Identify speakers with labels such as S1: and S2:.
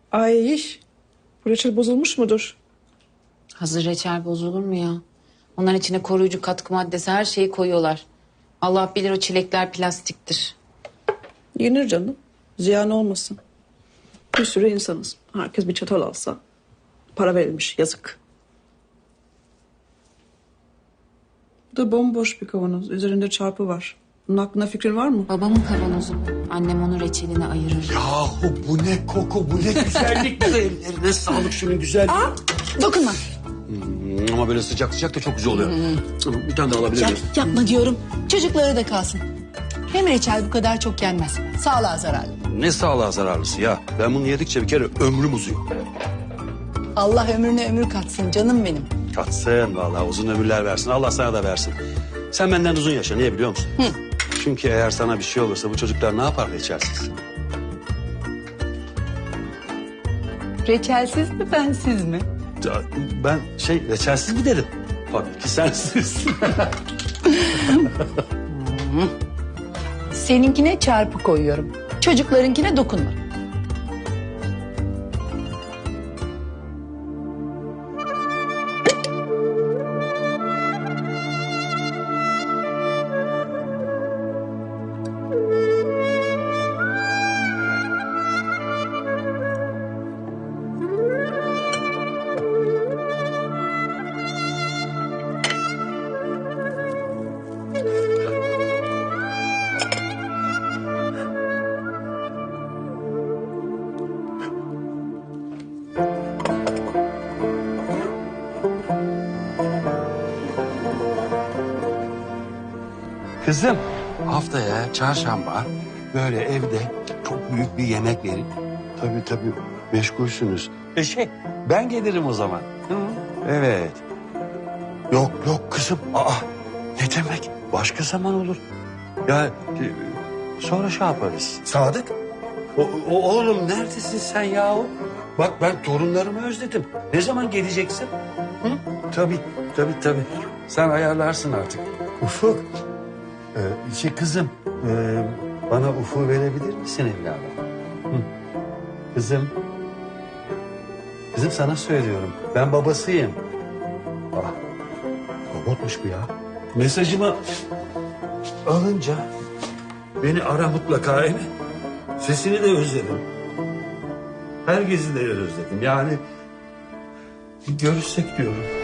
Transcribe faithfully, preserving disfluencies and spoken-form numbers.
S1: Ay iş. Bu reçel bozulmuş mudur?
S2: Hazır reçel bozulur mu ya? Onların içine koruyucu katkı maddesi her şeyi koyuyorlar. Allah bilir o çilekler plastiktir.
S1: Yenir canım. Ziyan olmasın. Bir sürü insanız. Herkes bir çatal alsa. Para verilmiş. Yazık. Bu da bomboş bir kavanoz. Üzerinde çarpı var. Bunun hakkında fikrin var mı?
S2: Babamın kavanozu bu. Annem onu reçeline ayırır.
S3: Yahu bu ne koku, bu ne güzellik. Ellerine sağlık şunun güzel.
S2: Dokunma.
S3: Hmm, ama böyle sıcak sıcak da çok güzel oluyor. Hmm. Bir tane daha alabilir
S4: Yap,
S3: miyim?
S4: yapma diyorum. Çocuklara da kalsın. Hem reçel bu kadar çok yenmez. Sağlığa zararlı.
S3: Ne sağlığa zararlısı ya. Ben bunu yedikçe bir kere ömrüm uzuyor.
S4: Allah ömrüne ömür katsın canım benim.
S3: Katsın vallahi, uzun ömürler versin. Allah sana da versin. Sen benden uzun yaşa, niye biliyor musun?
S4: Hı.
S3: Çünkü eğer sana bir şey olursa bu çocuklar ne yapar reçelsiz?
S4: Reçelsiz mi bensiz mi?
S3: Ya, Ben şey reçelsiz mi dedim? Tabii ki sensiz.
S4: Seninkine çarpı koyuyorum. Çocuklarınkine dokunma.
S3: Kızım, haftaya çarşamba böyle evde çok büyük bir yemek verin. Tabii tabii meşgulsünüz. E şey, ben gelirim o zaman. Hı? Evet. Yok yok kızım. Aa, ne demek? Başka zaman olur. Ya e, sonra şey yaparız. Sadık. O, o, oğlum neredesin sen yahu? Bak ben torunlarımı özledim. Ne zaman geleceksin? Hı? Tabii tabii tabii. Sen ayarlarsın artık. Ufuk. Ee, şey kızım, e, bana ufu verebilir misin evladım? Hı. Kızım, kızım sana söylüyorum. Ben babasıyım. Ah, robotmuş bu ya. Mesajımı alınca beni ara mutlaka, değil mi? Sesini de özledim. Herkesi de özledim. Yani bir görüşsek diyorum.